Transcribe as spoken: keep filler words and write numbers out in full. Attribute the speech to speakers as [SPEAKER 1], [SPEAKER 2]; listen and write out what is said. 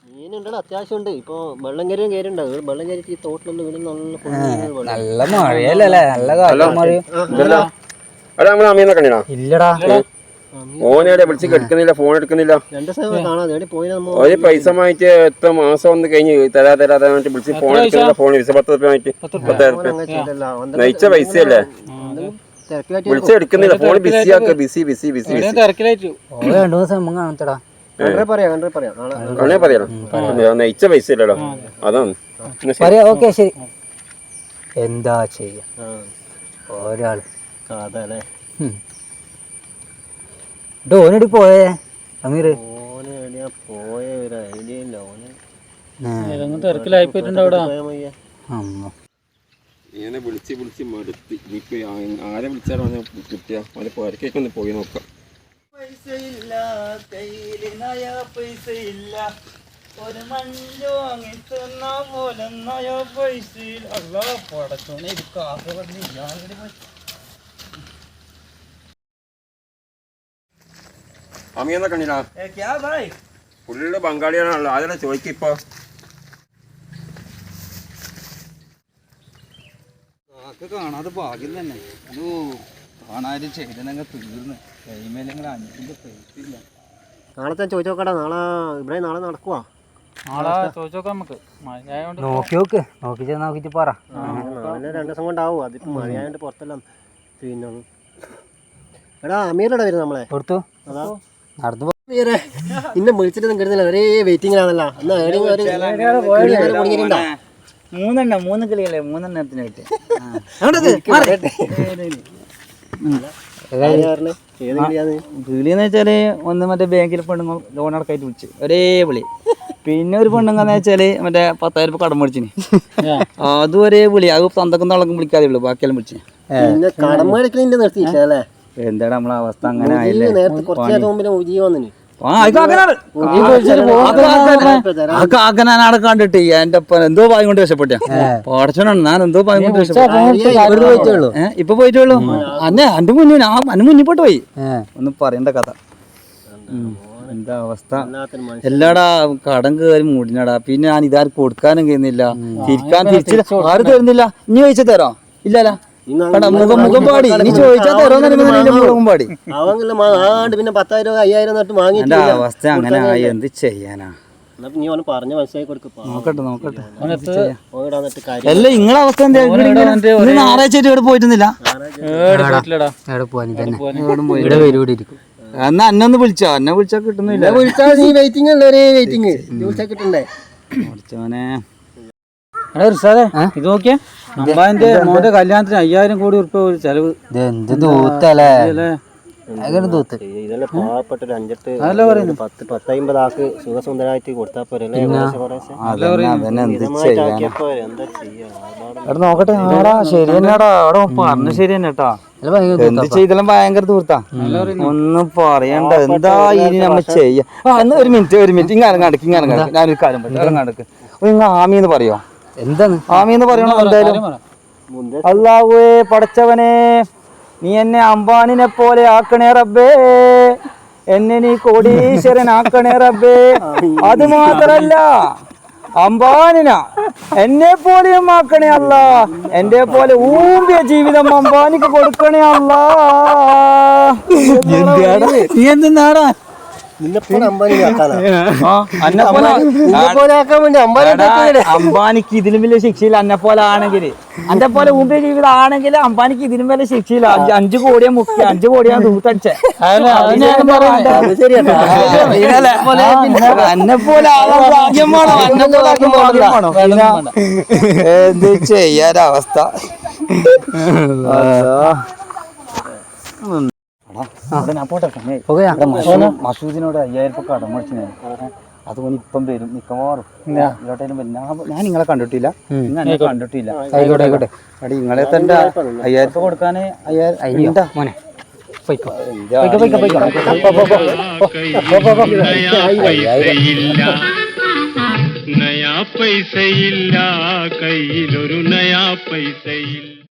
[SPEAKER 1] മീനുണ്ടല്ലോ അത്യാവശ്യമുണ്ട്. ഇപ്പൊ വെള്ളം കയറിയും കയറിണ്ടാവും. വെള്ളം കയറിയിട്ട് ഈ തോട്ടിലൊന്നും വീട് നല്ല
[SPEAKER 2] നല്ല മഴയല്ലേ? നല്ല കാലം മഴ.
[SPEAKER 3] ഇല്ലടാ
[SPEAKER 4] ഓനെ വിളിച്ച് എടുക്കുന്നില്ല, ഫോൺ എടുക്കുന്നില്ല.
[SPEAKER 1] രണ്ട് ദിവസം കാണാതെ പോയി.
[SPEAKER 4] ഒരു പൈസ വാങ്ങിച്ച് എത്ര മാസം ഒന്ന് കഴിഞ്ഞ് തരാ തരാതെ വിളിച്ച് ഫോൺ എടുക്കുന്നില്ല. ഫോൺ പത്ത് റുപ്യ വാങ്ങിട്ട് പത്തായിരം റുപ്യ നയിച്ച പൈസയല്ലേ, വിളിച്ച് എടുക്കുന്നില്ല. ഫോൺ ബിസി ആക്ക ബിസി ബിസി ബിസി
[SPEAKER 2] രണ്ടു ദിവസം കാണത്തടാ.
[SPEAKER 4] അങ്ങനെ പറയാലോ, നയിച്ച പൈസ ഇല്ലല്ലോ, അതാണ്
[SPEAKER 2] പറയാ. ഓക്കെ ശരി. എന്താ ചെയ്യാ ഒരാൾ
[SPEAKER 1] അതല്ലേ
[SPEAKER 2] ഓനടി പോയേ അമീർ?
[SPEAKER 1] പോയ ഒരു ഐഡിയ ഇല്ല. ഓന്
[SPEAKER 3] തിരക്കിലായി പോയിട്ടുണ്ട് അവിടെ.
[SPEAKER 4] ഇങ്ങനെ വിളിച്ച് വിളിച്ച് മടുത്ത്. ഇനിയിപ്പോ ആരെ വിളിച്ചാലും കിട്ടിയ അവരെ പുറക്കേക്ക് ഒന്ന് പോയി നോക്കാം.
[SPEAKER 5] പൈസ ഇല്ല കയ്യില്, നയ പൈസ ഇല്ല. ഒരു മഞ്ചു വാങ്ങി തന്ന പോലെ നയ പൈസ ഇല്ല. പടച്ചോനെ ഇത് കാസ പറഞ്ഞ
[SPEAKER 4] അമിയെന്നാ കണ്ടില്ല, ഫുള്ള് ബംഗാളിയാണല്ലോ. അതെല്ലാം ചോദിക്കിപ്പോ
[SPEAKER 5] കാണാതെ ഭാഗ്യം തന്നെ. ഒരു കാണാനും ചെയ്തനങ്ങ് തീർന്ന് കൈമേലെങ്കിൽ അഞ്ചിന്റെ പൈസ ഇല്ല.
[SPEAKER 1] നാളെ ഞാൻ ചോദിച്ചു നോക്കടാ. നാളെ ഇവിടെ നാളെ നടക്കുവാ.
[SPEAKER 3] നാളെ ചോദിച്ചു നോക്കാം നമുക്ക്.
[SPEAKER 2] നോക്കി നോക്ക്, നോക്കി നോക്കിട്ട് പറ.
[SPEAKER 1] നാളെ രണ്ടു ദിവസം കൊണ്ടാവും. അതിപ്പോ മഴയായോണ്ട് പുറത്തെല്ലാം. പിന്നെ എടാ അമീറടാ വരുന്നത് നമ്മളെ
[SPEAKER 2] കൊടുത്തു.
[SPEAKER 1] അതാ
[SPEAKER 2] നടന്നു
[SPEAKER 1] ഇന്നെ വിളിച്ചിട്ട് കിട്ടുന്നില്ല. ഒരേ വെയിറ്റിംഗിലാണല്ലോ. എന്നാ
[SPEAKER 5] മൂന്നെണ്ണം മൂന്ന് കിളിയല്ലേ, മൂന്നെണ്ണത്തിന് കിട്ടി. വിളിയെന്ന് വെച്ചാല് ഒന്ന് മറ്റേ ബാങ്കിൽ പെണ്ണുങ്ങൾ ലോൺ അടക്കായിട്ട് വിളിച്ച് ഒരേ വിളി. പിന്നെ ഒരു പെണ്ണുങ്ങന്ന് വെച്ചാല് മറ്റേ പത്തായിരം രൂപ കടം മേടിച്ചിന്, അതും ഒരേ വിളി. അത് തന്തക്കും തളക്കും വിളിക്കാതെ വിളി, ബാക്കിയെല്ലാം വിളിച്ച്.
[SPEAKER 1] കടം മേടിക്കലിന്റെ നിർത്തിയില്ല അല്ലേ?
[SPEAKER 5] എന്താണ് നമ്മളെ അവസ്ഥ? അങ്ങനെ ആയില്ലേ. കാക്കനാടെ കണ്ടിട്ട് എന്റെ എന്തോ പായം കൊണ്ട് രക്ഷപ്പെട്ട പഠിച്ചോണ്ടാണ് ഞാൻ. എന്തോ പായം കൊണ്ട് രക്ഷപ്പെട്ടു. ഇപ്പൊ പോയിട്ടുള്ളൂ. അന്നെ അന്റെ മുന്നിൽ അന്ന് മുന്നിൽ പോയിട്ട് പോയി. ഒന്നും പറയണ്ട കഥ. എന്താ അവസ്ഥ? എല്ലാടാ കടം കയറി മൂടിനടാ. പിന്നെ ഞാൻ ഇതാരും കൊടുക്കാനും കഴിയുന്നില്ല, തിരിക്കാൻ തിരിച്ചില്ല. ആരും തരുന്നില്ല. ഇനി ചോദിച്ചാ തരാം? ഇല്ലല്ല. മുഖം മുഖം പാടി ഇനി ചോദിച്ചാൽ തരുമെന്ന് മുഖം പാടി.
[SPEAKER 1] പിന്നെ പത്തായിരം അയ്യായിരം വാങ്ങി.
[SPEAKER 5] എന്റെ അവസ്ഥ അങ്ങനെ ആയി. എന്ത് ചെയ്യാനാ?
[SPEAKER 1] പറഞ്ഞ മനസ്സിലാക്കി കൊടുക്കും.
[SPEAKER 5] നോക്കട്ടെ നോക്കട്ടെ. അല്ല നിങ്ങളെ അവസ്ഥ എന്താ? ഞായറാഴ്ച ഇവിടെ പോയിട്ടുന്നില്ല. എന്നാ അന്നൊന്ന് വിളിച്ചോ? എന്നെ വിളിച്ചാ കിട്ടുന്നില്ല.
[SPEAKER 1] വിളിച്ചാ നീ വെയിറ്റിംഗ് അല്ലേ? ഒരേ വെയിറ്റിംഗ്. വിളിച്ചാ കിട്ടണ്ടേ?
[SPEAKER 5] പഠിച്ചോനെ ഇത് നോക്കിയാ അമ്മാന്റെ മോന്റെ കല്യാണത്തിന് അയ്യായിരം കോടി ഉറുപ്പ ഒരു ചെലവ്.
[SPEAKER 1] ഇതെല്ലാം പാവപ്പെട്ട ഒരു അഞ്ചെട്ട് പത്ത് പത്തമ്പത് ആക്ക് സുഖസുന്ദരമായിട്ട് കൊടുത്താ പോരെ?
[SPEAKER 5] നോക്കട്ടെ. ആടാ ശരി തന്നെയാടാ. അവിടെ പറഞ്ഞു ശരി തന്നെ കേട്ടാ. എന്ത് ചെയ്താലും ഭയങ്കര ദൂർത്താ. ഒന്നും പറയണ്ട. എന്താ ഇനി നമ്മ ചെയ്യാ? ഒരു മിനിറ്റ് ഒരു മിനിറ്റ് ഇങ്ങനെ കടക്ക് ഇങ്ങനെ കടക്ക്. ഞാനൊരു കാര്യം പറയാം. കടക്ക് ഇങ്ങ ആമിന്ന് പറയോ?
[SPEAKER 2] എന്താണ്
[SPEAKER 5] ആമീന്ന് പറയണോ? എന്തായാലും അല്ലാഹുവേ പടച്ചവനെ, നീ എന്നെ അംബാനിനെ പോലെ ആക്കണേ റബ്ബേ. എന്നെ നീ കോടീശ്വരൻ ആക്കണേ റബ്ബേ. അത് മാത്രല്ല അംബാനിന എന്നെ പോലെയും ആക്കണേ അല്ല. എന്റെ പോലെ ഊമ്പിയ ജീവിതം അംബാനിക്ക് കൊടുക്കണേ അല്ല. നീ എന്തിനാടാ അംബാനിക്ക് ഇതിലും വലിയ ശിക്ഷയില്ല. അന്നെ പോലെ ആണെങ്കിൽ, അന്റെ പോലെ ഊമ്പിയ ജീവിതം ആണെങ്കിൽ അംബാനിക്ക് ഇതിലും വലിയ ശിക്ഷയില്ല. അഞ്ചു കോടിയാ മുഖ്യ അഞ്ചു കോടിയാ ദൂത്തടിച്ചേ. അന്നെ പോലെ ഭാഗ്യമാണോ? അന്നെ പോലെ ഭാഗ്യമാണോ? എന്ത് ചെയ്യാനവസ്ഥ? മസൂദിനോട് അയ്യായിരം രൂപ കടം മേടിച്ചു. അതുകൊണ്ട് ഇപ്പം വരും മിക്കവാറും. ഞാൻ നിങ്ങളെ കണ്ടിട്ടില്ല, നിങ്ങൾ കണ്ടിട്ടില്ല. ആയിക്കോട്ടെ. അടി നിങ്ങളെ തന്നെ അയ്യായിരം രൂപ കൊടുക്കാന് അയ്യായിരം മോനെ
[SPEAKER 6] നയാ പൈസയില്ല കയ്യിലൊരു നയാ പൈസയില്ല.